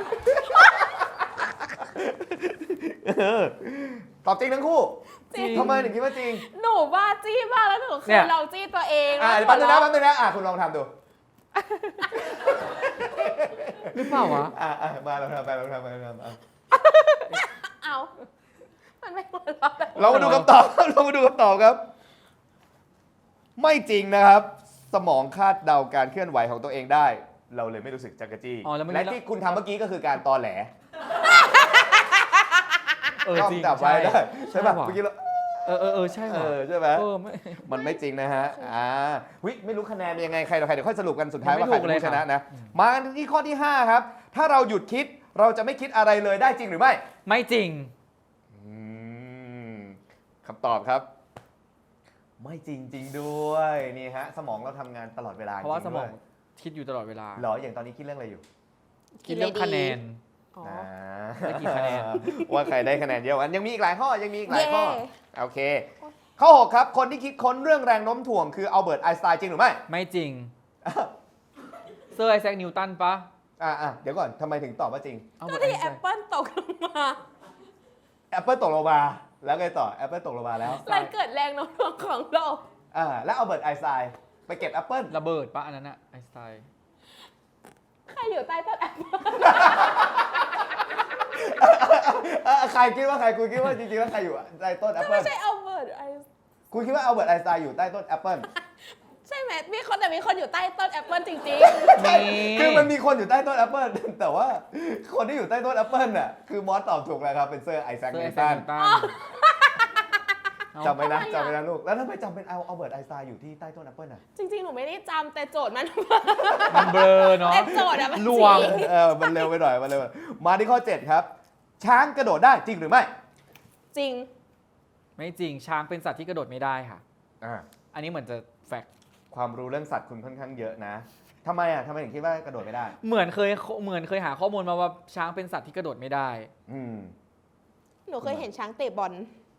Speaker 2: เออตอบจริงทั้งคู่
Speaker 4: จริง
Speaker 2: ทำไมถึงคิดว่าจริง
Speaker 4: หนูบ้าจี้มากแล้วหนูเค
Speaker 3: เนี่ย ย
Speaker 4: ลองจี้ตัวเอง
Speaker 2: อ่า
Speaker 4: แล้ว
Speaker 2: แป๊บนึงนะ
Speaker 4: หั
Speaker 2: แป๊
Speaker 4: ว
Speaker 2: บนึงนะอ่าคุณลองทำดู
Speaker 3: หรือเปล่าวะ
Speaker 2: อ่าอ่ามาลองทำไปลองทำไปลองทำอ่ะ
Speaker 4: เอามันไม่หัวเราะเลย
Speaker 2: เรามาดูคำตอบ เรามาดูคำตอบครับ ไม่จริงนะครับ สมองคาดเดาการเคลื่อนไหวของตัวเองได้ เราเลยไม่รู้สึกจักรจี้
Speaker 3: อ๋อแล้วไม่
Speaker 2: และ
Speaker 3: รู้
Speaker 2: ที่คุณทำเมื่อกี้ก็คือการตอแหล
Speaker 3: เออ
Speaker 2: ก็
Speaker 3: จริง
Speaker 2: จับไว้ได้ใช่ป่ะ
Speaker 3: ว่
Speaker 2: เมื่อกี้เรา
Speaker 3: เออเออเออใช่
Speaker 2: เอ
Speaker 3: ว่ะ
Speaker 2: อใช่ไหม
Speaker 3: เออไม่
Speaker 2: มันไม่จริงนะฮะอ่าวิไม่รู้คะแนนเป็นยังไงใครต่อใครเดี๋ยวค่อยสรุปกันสุดท้าย
Speaker 3: ยังไม่
Speaker 2: ว่าใคร
Speaker 3: ถูกเลย
Speaker 2: เป็นผู้ชนะ
Speaker 3: ค่ะ
Speaker 2: นะ มากันที่ข้อที่ห้าครับ ถ้าเราหยุดคิดเราจะไม่คิดอะไรเลยได้จริงหรือไม่
Speaker 3: ไม่จริง
Speaker 2: อืมคำตอบครับ ไม่จริงจริงด้วยนี่ฮะสมองเราทำงานตลอดเวลา
Speaker 3: เพราะว่า
Speaker 2: จ
Speaker 3: ส
Speaker 2: งๆ
Speaker 3: มอง
Speaker 2: ด้วย
Speaker 3: คิดอยู่ตลอดเวลา
Speaker 2: เหรออย่างตอนนี้คิดเรื่องอะไรอยู่
Speaker 3: คิดเรื่องคะแนน
Speaker 4: อ๋อ
Speaker 2: อ่า
Speaker 3: ได้กี่คะแนน
Speaker 2: ว่าใครได้คะแนนเยอะกว่ากันยังมีอีกหลายข้อยังมีอีกหลาย
Speaker 4: เย่
Speaker 2: ข้อโอเค ข้อหกครับคนที่คิดค้นเรื่องแรงโน้มถ่วงคืออัลเบิร์ตไอน์สไตน์จริงหรือไม่
Speaker 3: ไม่จริง เซอร์ไอแซคนิวตันปะ
Speaker 2: อ่าอ่ะเดี๋ยวก่อนทำไมถึงตอบว่าจริง
Speaker 3: เอา
Speaker 4: ก็
Speaker 3: เบิร์ตไอ
Speaker 4: ที่
Speaker 3: น์ส
Speaker 4: แอ
Speaker 3: ไต
Speaker 4: ป
Speaker 3: น์
Speaker 4: เปิลตกลงมา
Speaker 2: แอปเปิลตกลงมาแล้วไงต่อแอปเปิลตกลงมาแล้ว
Speaker 4: มันเกิดแรงโน้มถ่วงของโลก
Speaker 2: อ่าแล้วอัลเบิร์ตไอน์สไตน์ไปเก็บแอปเปิล
Speaker 3: ระเบิดปะอันนั้นอะไอน์สไตน์
Speaker 4: ใครอยู่ใต้ต้นแอปเปิล
Speaker 2: ใครคิดว่าใครคุณคิดว่าจริงๆแล้วใครอยู่ใต้ต้นแอปเปิ
Speaker 4: ไม่
Speaker 2: ล
Speaker 4: ใช่อัลเบิร์ตไอน์
Speaker 2: คุณคิดว่าอัลเบิร์ตไอน์สไตน์อยู่ใต้ต้นแอปเปิล
Speaker 4: ใช่ไหมมีคนแต่มีคนอยู่ใต้ต้นแอปเปิลจริง
Speaker 2: ใช่คือมันมีคนอยู่ใต้ต้นแอปเปิลแต่ว่าคนที่อยู่ใต้ต้นแอปเปิลน่ะคือมอสตอบถูกแล้วครับเป็นเซอร์ไอแซค
Speaker 3: เซอร์
Speaker 2: นิ
Speaker 3: ไอ
Speaker 2: ว
Speaker 3: แซ
Speaker 2: ตั
Speaker 3: คน นิวตัน
Speaker 2: จำไว้นะจำไว้นะลูกแล้วทำไมจำเป็นเอาอัลเบิร์ตไอน์สไตน์อยู่ที่ใต้ต้นแอปเปิลน่ะ
Speaker 4: ๆ จริง ๆ หนูไม่ได้จำแต่โจทย์มัน
Speaker 3: มันเบลอเนาะ
Speaker 4: แต่โจทย์อะมัน
Speaker 3: ลวง
Speaker 4: จริง
Speaker 2: เออมันเร็วไปหน่อยมันเร็วไปหน่อยมาที่ข้อเจ็ดครับ ช้างกระโดดได้จริงหรือไม่
Speaker 4: จริง
Speaker 3: ไม่จริงช้างเป็นสัตว์ที่กระโดดไม่ได้ค่ะ
Speaker 2: อ่า
Speaker 3: อันนี้เหมือนจะแฟกต์
Speaker 2: ความรู้เรื่องสัตว์คุณค่อนข้างเยอะนะทำไมอ่ะทำไมถึงคิดว่ากระโดดไม่ได้
Speaker 3: เหมือนเคยเหมือนเคยหาข้อมูลมาว่าช้างเป็นสัตว์ที่กระโดดไม่ได้
Speaker 2: อืม
Speaker 4: หนูเคยเห็นช้างเตะบอล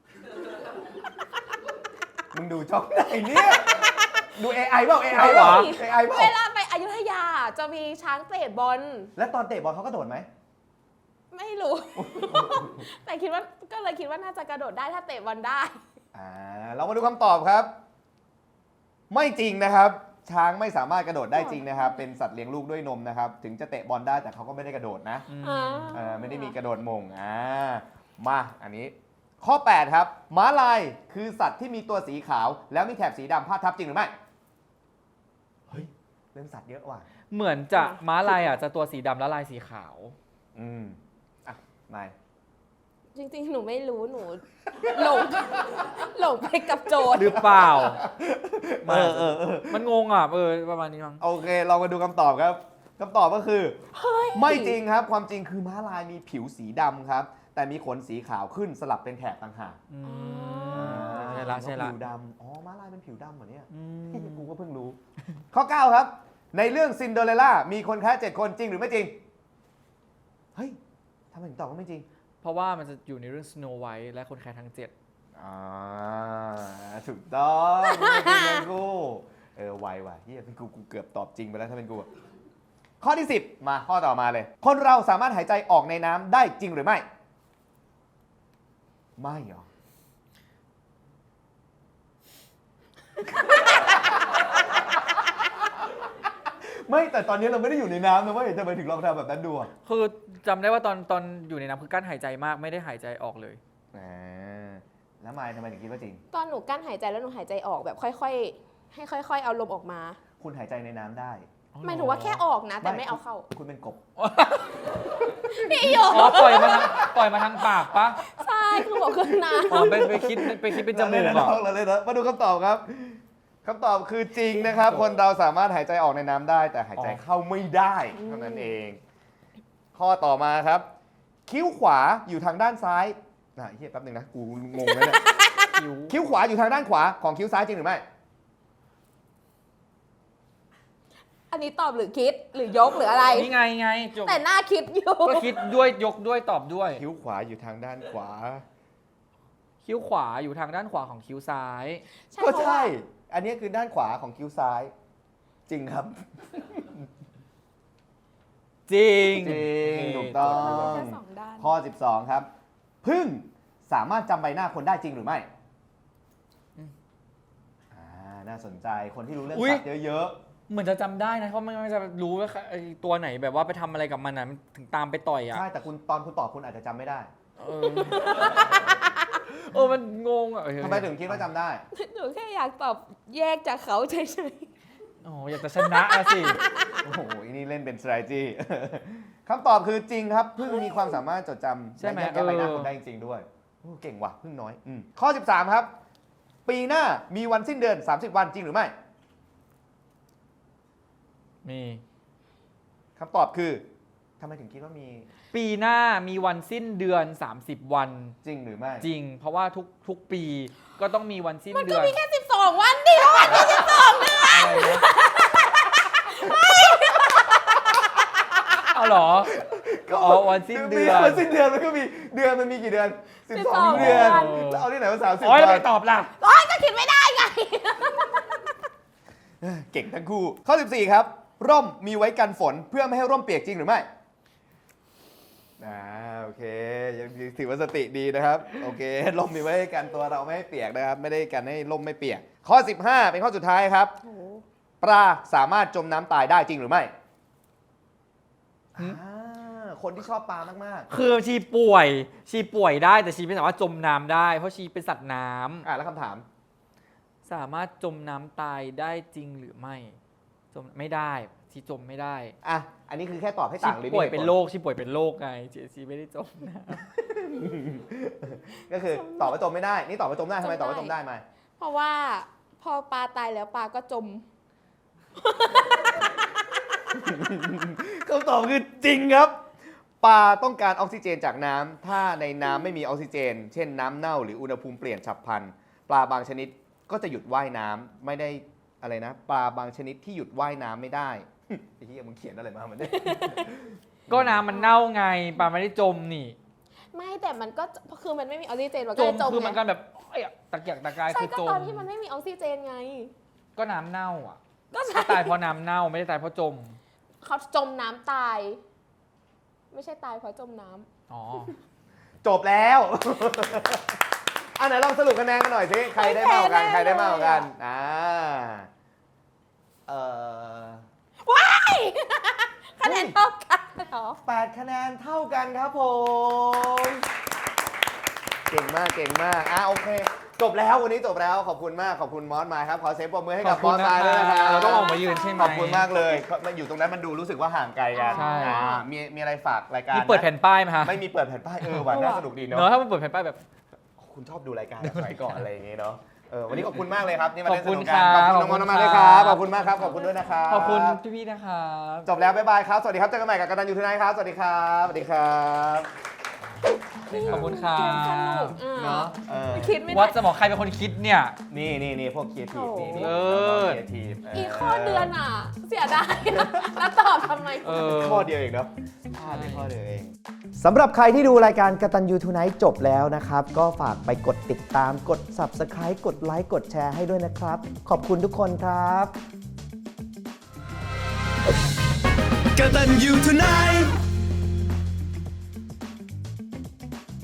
Speaker 2: มึงดูช่องไหนเนี่ย ดู เอ ไอ เปล่า เอ ไอ
Speaker 3: เหร
Speaker 2: เปล่า
Speaker 3: อ
Speaker 2: เอ ไอ เปล่า
Speaker 4: เวลาไปอยุธยาจะมีช้างเตะบอล
Speaker 2: แล้วตอนเตะบอลเขากระโดดไหม
Speaker 4: ไม่รู้ แต่คิดว่าก็เลยคิดว่าน่าจะกระโดดได้ถ้าเตะบอลได้
Speaker 2: อ่า เรามาดูคำตอบครับ ไม่จริงนะครับ ช้างไม่สามารถกระโดดได้จริงนะครับ เป็นสัตว์เลี้ยงลูกด้วยนมนะครับ ถึงจะเตะบอลได้แต่เขาก็ไม่ได้กระโดดนะ
Speaker 3: อืม
Speaker 4: อ่า
Speaker 2: เออไม่ได้มีกระโดดมงอ่ามาอันนี้ ข้อ แปด ครับ ม้าลายคือสัตว์ที่มีตัวสีขาว แล้วมีแถบสีดำพาดทับจริงหรือไม่ เฮ้ย เรื่องสัตว์เยอะว่ะ
Speaker 3: เหมือนจะม้าลายอ่ะจะตัวสีดำและลายสีขาว
Speaker 2: อืม อ่ะนาย
Speaker 4: จริงๆ หนูไม่รู้หนู หลง หลงไปกับโจทย์
Speaker 3: หรือเปล่า
Speaker 2: เออเออเออ
Speaker 3: มันงงอ่ะเออประมาณนี้มั้ง
Speaker 2: โอเค เรามาดูคำตอบครับคำตอบก็คือ ไม่จริงครับ ความจริงคือม้าลายมีผิวสีดำครับ แต่มีขนสีขาวขึ้นสลับเป็นแถบต่างหาก
Speaker 3: อื
Speaker 4: อ๋อ
Speaker 3: มใช่ละใช่ละ
Speaker 2: ผิวดำอ๋อ ม้าลายเป็นผิวดำเหรอเนี่ย
Speaker 3: อืม
Speaker 2: กูก็เพิ่งรู้ ข้อ เก้า ครับ ในเรื่องซินเดอเรลล่ามีคนแค่เจ็ดคนจริงหรือไม่จริง เฮ้ยทำไมถึงตอบว่าไม่จริง
Speaker 3: เพราะว่ามันจะอยู่ในเรื่อง Snow White และคนแคร์ทั้งเจ็ด
Speaker 2: อ่า ถูกต้องไม่จริงเลยกู เออไวว่ะเฮียเป็นกูกูเกือบตอบจริงไปแล้วถ้าเป็นกูอะข้อที่ สิบ มาข้อต่อมาเลย คนเราสามารถหายใจออกในน้ำได้จริงหรือไม่ ไม่เหรอ ไม่แต่ตอนนี้เราไม่ได้อยู่ในน้ำนะเว้ยทำไมถึงลองทำแบบนั้นดูอ่ะ
Speaker 3: คือจำได้ว่าตอนตอนอยู่ในน้ำคือกั้นหายใจมากไม่ได้หายใจออกเลย
Speaker 2: อ่าแล้วมายทำไมถึงคิดว่าจริง
Speaker 4: ตอนหนูกั้นหายใจแล้วหนูหายใจออกแบบค่อยๆ ให้ค่อย ๆ เอาลมออกมา
Speaker 2: คุณหายใจในน้ำได้
Speaker 4: หมายถึงว่าแค่ออกนะ แต่ไม่เอาเข้า
Speaker 2: คุณเป็นกบ
Speaker 4: พี่โย
Speaker 3: อ๋อปล่อยมาทางปล่อยมาทางปากปะ
Speaker 4: ใช่คือบอกขึ้นน้
Speaker 3: อ๋อไปไปคิดไปคิดเป็นจมูก
Speaker 2: เรา
Speaker 3: เหรอ
Speaker 2: เล่นนะเราเล่นนะมาดูคำตอบครับคำตอบคือจริงนะครับ คนเราสามารถหายใจออกในน้ำได้ แต่หายใจเข้าไม่ได้เท่านั้นเอง ข้อต่อมาครับ คิ้วขวาอยู่ทางด้านซ้ายอ่ะเฮียแป๊บหนึงนะกูงงแล้วเนี่ย
Speaker 3: คิ้ว
Speaker 2: คิ้วขวาอยู่ทางด้านขวาของคิ้วซ้ายจริงหรือไม่
Speaker 4: ำอันนี้ตอบหรือคิดหรือยกหรืออะไร
Speaker 3: นี่ไงไงจบ
Speaker 4: แต่หน้าคิดอยู่
Speaker 3: ก็คิดด้วยยกด้วยตอบด้วย
Speaker 2: คิ้วขวาอยู่ทางด้านขวา
Speaker 3: คิ้วขวาอยู่ทางด้านขวาของคิ้วซ้าย
Speaker 4: ใช่
Speaker 2: ก็
Speaker 4: เพราะว่า
Speaker 2: ใช่ อันนี้คือด้านขวาของคิ้วซ้าย จริงครับ
Speaker 3: จริง
Speaker 2: จริงถูกต้อง
Speaker 4: แค่สองด้าน
Speaker 2: ข้อ สิบสอง ครับพึ่งสามารถจำใบหน้าคนได้จริงหรือไม่
Speaker 3: อืม
Speaker 2: อ่าน่าสนใจคนที่รู้เรื่อง
Speaker 3: อุ๊ย
Speaker 2: สัตว์เยอะ
Speaker 3: เหมือนจะจำได้นะเพราะมันมันจะรู้ว่าไอ้ตัวไหนแบบว่าไปทำอะไรกับมันนะมันถึงตามไปต่อย
Speaker 2: ๆ
Speaker 3: อ่ะ
Speaker 2: ใช่แต่คุณตอนคุณตอบคุณอาจจะจำไม่ได้
Speaker 3: เออเออมันงงอ่ะเออ
Speaker 2: ทำไมถึงคิดว่าจำได้
Speaker 4: หนูแค่อยากตอบแยกจากเขาเฉย
Speaker 3: โอ้อยากจะชนะอะสิ
Speaker 2: โอ้โหอันนี้เล่นเป็น strategy คำตอบคือจริงครับพึ่งมีความสามารถจดจำ
Speaker 3: ใช่ไหม
Speaker 2: และแยกแยะใบหน้า
Speaker 3: เออ
Speaker 2: คนได้จริงๆด้วยโอ้เก่งว่ะพึ่งน้อยอืมข้อ สิบสาม ครับ ปีหน้ามีวันสิ้นเดือน สามสิบ วันจริงหรือไม่
Speaker 3: มี
Speaker 2: คำตอบคือทำไมถึงคิดว่ามี
Speaker 3: ปีหน้ามีวันสิ้นเดือน สามสิบ วัน
Speaker 2: จริงหรือไม่
Speaker 3: จริง เพราะว่าทุกทุกปีก็ต้องมีวันสิ้น
Speaker 4: ๆ มัน
Speaker 3: เดื
Speaker 4: ก็
Speaker 3: อน
Speaker 4: มีแค่สิบสองวันเดียววันที่สิบสองเดือน
Speaker 3: อะไรนะเอาเหรอ อ๋อวันสิ้นเดือน
Speaker 2: วันสิ้นเดือนมันก็มีเดือนมันมีกี่เดือน สิบสอง
Speaker 4: เดื
Speaker 2: เดือ
Speaker 4: อน น
Speaker 2: แล้วเอาที่ไหนมาสามสิบ
Speaker 3: โอ้ยแล้ว
Speaker 2: วั
Speaker 3: ไป
Speaker 2: น
Speaker 3: ตอบล่ะ
Speaker 4: โอ๊ยก็คิดไม่ได้ไง
Speaker 2: เก่งทั้งคู่ ข้อ สิบสี่ ครับ ร่มมีไว้กันฝนเพื่อไม่ให้ร่มเปียกจริงหรือไม่อ่าโอเคยังถือว่าสติดีนะครับ โอเคร่มมีไว้กันตัวเราไม่ให้เปียกนะครับ ไม่ได้กันให้ร่มไม่เปียก ข้อ สิบห้า เป็นข้อสุดท้ายครับ
Speaker 4: โอ้โห
Speaker 2: ปลาสามารถจมน้ำตายได้จริงหรือไม่
Speaker 3: หืม
Speaker 2: อ่าคนที่ชอบปลามาก
Speaker 3: คือชีป่วย ชีป่วยได้แต่ชีไม่สามารถจมน้ำได้ เพราะชีเป็นสัตว์น้ำ
Speaker 2: ๆอ่าแล้วคำถาม
Speaker 3: สามารถจมน้ำตายได้จริงหรือไม่ จมไม่ได้ชีจมไม่ได้
Speaker 2: อ่ะ อันนี้คือแค่ตอบให้
Speaker 3: ชี
Speaker 2: ต่างหรือมี
Speaker 3: ป่วย
Speaker 2: หตุผล
Speaker 3: เป็นโรคชีป่วยเป็นโรคไงชีชีไม่ได้จมน้
Speaker 2: ก็คือตอบว่าจมไม่ได้ นี่ตอบว่าจมได้ทำไมตอบว่าจมได้ไหม
Speaker 4: เพราะว่าพอปลาตายแล้วปลาก็จม
Speaker 2: คำตอบคือจริงครับ ปลาต้องการออกซิเจนจากน้ำถ้าในน้ำไม่มีออกซิเจน เช่นน้ำเน่าหรืออุณหภูมิเปลี่ยนฉับพลัน ปลาบางชนิดก็จะหยุดว่ายน้ำไม่ได้อะไรนะ ปลาบางชนิดที่หยุดว่ายน้ำไม่ได้ไอ้เหี้ยมึงเขียนอะไรมามันเนี่ย
Speaker 3: ก็น้ำมันเน่าไงปลาไม่ได้จมนี่
Speaker 4: ไม่แต่มันก็คือมันไม่มีออกซิเจนมัน
Speaker 3: จ
Speaker 4: ก็เล
Speaker 3: ม
Speaker 4: ยจม
Speaker 3: คือมัน
Speaker 4: ไง
Speaker 3: กันแบบเอ้ยตะเกียกตะกาย
Speaker 4: ใช่
Speaker 3: คือ
Speaker 4: ก็
Speaker 3: จ
Speaker 4: ตอ
Speaker 3: ม
Speaker 4: นที่มันไม่มีออกซิเจนไง
Speaker 3: ก็น้ำเน่าอ่ะ
Speaker 4: ก็ใช่
Speaker 3: ก็ตายเพราะน้ำเน่าไม่ได้ตายเพราะจม
Speaker 4: เขาจมน้ำตาย ไม่ใช่ตายเพราะจมน้ำ
Speaker 3: อ๋อ
Speaker 2: จบแล้ว อันไหนลองสรุปคะแนนกันหน่อยสิใครได้มากกว่ากันใครได้มากกว่ากันอ่าเอ่อ
Speaker 4: คะแนนเท่ากันเหรอ
Speaker 2: แปดคะแนนเท่ากันครับผม เก่งมากเก่งมากอ่ะโอเค จบแล้ววันนี้จบแล้วขอบคุณมากขอบคุณมอสมาครับขอเสียงปรบมือให้
Speaker 3: ข
Speaker 2: กั
Speaker 3: อ
Speaker 2: บบ ม
Speaker 3: คุ
Speaker 2: อ
Speaker 3: ณ
Speaker 2: ส
Speaker 3: นะ
Speaker 2: มาด้วยนะครับ
Speaker 3: เราต้องออกมายืนใช่ไหม
Speaker 2: ขอบคุณมากเลยมันอยู่ตรงนั้นมันดูรู้สึกว่าห่างไกลกัน
Speaker 3: ใช่
Speaker 2: อ่ามีมีอะไรฝากรายการ
Speaker 3: มีเปิดแผ่นป้ายไหมฮะ
Speaker 2: ไม่มีเปิดแผ่นป้ายเออหวานน่าสนุกดีเนาะ
Speaker 3: เนอะถ้ามันเปิดแผ่นป้ายแบบ
Speaker 2: คุณชอบดูรายการสมัยก่อนอะไรอย่างงี้เนาะเออวันนี้ขอบคุณมากเลยครับที่มาเล่นสนุก
Speaker 3: ข
Speaker 2: กั
Speaker 3: อน บ
Speaker 2: ข
Speaker 3: คุ
Speaker 2: อบ
Speaker 3: ณ
Speaker 2: คุณน้องมอส
Speaker 3: ครับ
Speaker 2: มากๆเลยครับขอบคุณมากครับขอบคุณด้วยนะครับ
Speaker 3: ขอบคุณพี่ๆนะครับ
Speaker 2: จบแล้วบ๊ายบายครับสวัสดีครับเจอกันใหม่กับกัปตันยูทูไนท์ครับสวัสดีครับสวัสดีครับ
Speaker 3: ขอบคุณครั
Speaker 4: เกมสนุ
Speaker 3: บ
Speaker 4: กอ่ะ
Speaker 2: เนาะเออ
Speaker 4: คิดไม่
Speaker 3: วัด
Speaker 4: ได้
Speaker 3: สมองใครเป็นคนคิดเนี่ย
Speaker 2: นี่นี่นี่พวกครีเอทีฟนี่นี่
Speaker 3: เออ
Speaker 2: ครีเอทีฟ
Speaker 4: อีกข้อเดือนอ่ะ เสียดายอะแล้วตอบทำไม
Speaker 3: เออ
Speaker 2: ข้อเดียวเองเนาะพลาดไปข้อเดียวเองสำหรับใครที่ดูรายการกัปตันยูทูไนท์จบแล้วนะครับก็ฝากไปกดติดตามกด Subscribe กดไลค์กดแชร์ให้ด้วยนะครับขอบคุณทุกคนครับ
Speaker 1: กตัญญูทูไนท์